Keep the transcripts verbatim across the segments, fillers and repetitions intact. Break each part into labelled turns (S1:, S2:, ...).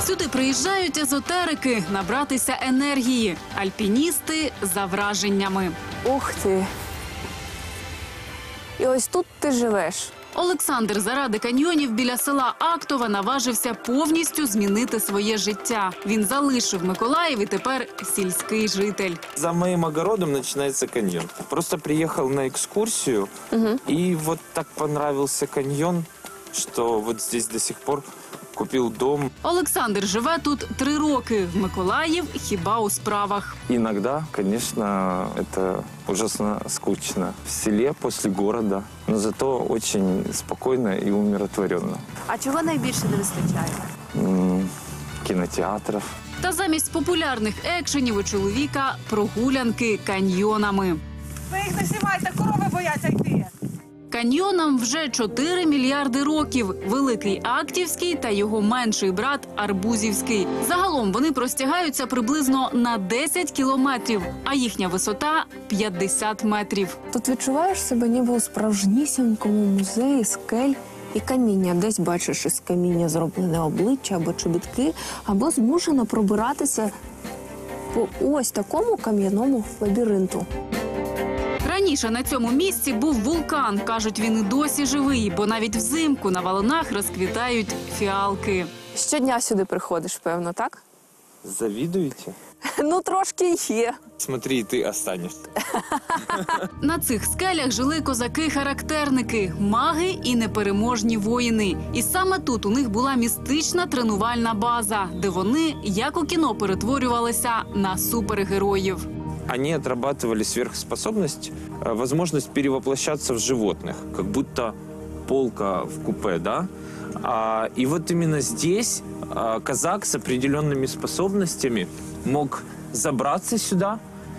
S1: Сюди приїжджають езотерики набратися енергії, альпіністи за враженнями.
S2: Ух ти! І ось тут ти живеш.
S1: Олександр заради каньйонів біля села Актова наважився повністю змінити своє життя. Він залишив Миколаїв і тепер сільський житель.
S3: За моим огородом начинается каньон. Просто приехал на экскурсию, угу. И вот так понравился каньон, что вот здесь до сих пор купил дом.
S1: Олександр живе тут три роки. В Миколаїв хіба у справах.
S3: Иногда, конечно, это ужасно скучно. В селе после города, но зато очень спокойно и умиротворенно.
S2: А чого найбільше не вистачає?
S3: М-м, кинотеатров.
S1: Та замість популярних екшенів у чоловіка прогулянки каньйонами.
S4: Ви їх не знімайте, корови бояться йти.
S1: Каньйонам вже чотири мільярди років. Великий Актівський та його менший брат Арбузівський. Загалом вони простягаються приблизно на десять кілометрів, а їхня висота – п'ятдесят метрів.
S2: Тут відчуваєш себе ніби у справжнісінькому музеї скель і каміння. Десь бачиш із каміння зроблене обличчя або чобітки, або змушено пробиратися по ось такому кам'яному лабіринту.
S1: Раніше на цьому місці був вулкан. Кажуть, він і досі живий, бо навіть взимку на валунах розквітають фіалки.
S2: Щодня сюди приходиш, певно, так?
S3: Завидуете?
S2: Ну, трошки є.
S3: Смотри, ты останешься.
S1: На цих скелях жили козаки-характерники, маги і непереможні воїни. І саме тут у них була містична тренувальна база, де вони, як у кіно, перетворювалися на супергероїв.
S3: Они отрабатывали сверхспособность, возможность перевоплощаться в животных, как будто полка в купе, да? А, и вот именно здесь а, казак с определенными способностями мог забраться сюда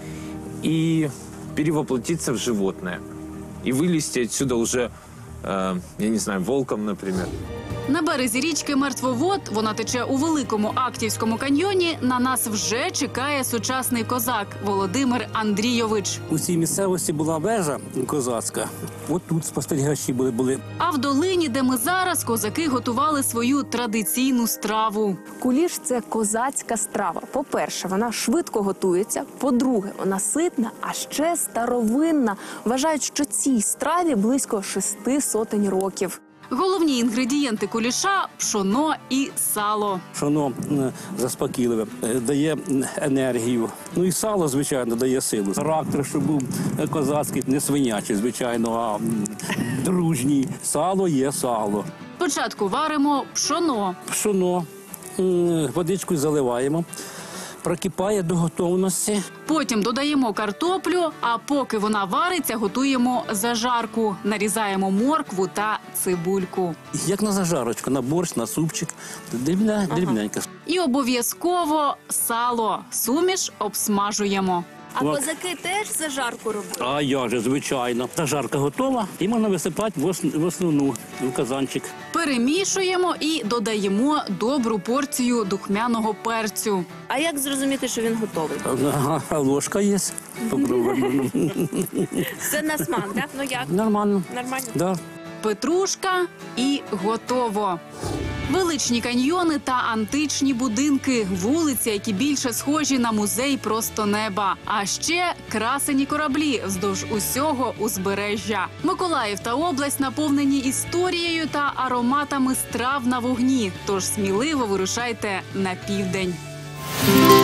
S3: и перевоплотиться в животное. И вылезти отсюда уже, э, я не знаю, волком, например.
S1: На березі річки Мертвовод, вона тече у Великому Актівському каньйоні, на нас вже чекає сучасний козак Володимир Андрійович.
S5: У цій місцевості була вежа козацька. От тут спостерігачі були. були.
S1: А в долині, де ми зараз, козаки готували свою традиційну страву.
S2: Куліш – це козацька страва. По-перше, вона швидко готується. По-друге, вона ситна, а ще старовинна. Вважають, що цій страві близько шести сотень років.
S1: Головні інгредієнти куліша – пшоно і сало.
S5: Пшоно заспокійливе, дає енергію. Ну і сало, звичайно, дає силу. Характер, щоб був козацький, не свинячий, звичайно, а дружній. Сало є сало.
S1: Спочатку варимо пшоно.
S5: Пшоно, водичкою заливаємо. Прокипає до готовності.
S1: Потім додаємо картоплю, а поки вона вариться, готуємо зажарку. Нарізаємо моркву та цибульку.
S5: Як на зажарочку, на борщ, на супчик. Дрібня,
S1: ага.
S5: дрібненько.
S1: І обов'язково сало. Суміш обсмажуємо.
S2: А козаки теж зажарку роблять?
S5: А я же, звичайно. Зажарка готова і можна висипати в, ос в основну, в казанчик.
S2: Перемішуємо і додаємо добру порцію духмяного перцю.
S1: А як зрозуміти, що він готовий?
S5: А ложка є. Попробуємо.
S1: Це на смак, так? Ну як?
S5: Нормально.
S1: Нормально?
S5: Да.
S2: Петрушка і готово. Величні каньйони та античні будинки, вулиці, які більше схожі на музей просто неба. А ще красені кораблі вздовж усього узбережжя. Миколаїв та область наповнені історією та ароматами страв на вогні. Тож сміливо вирушайте на південь.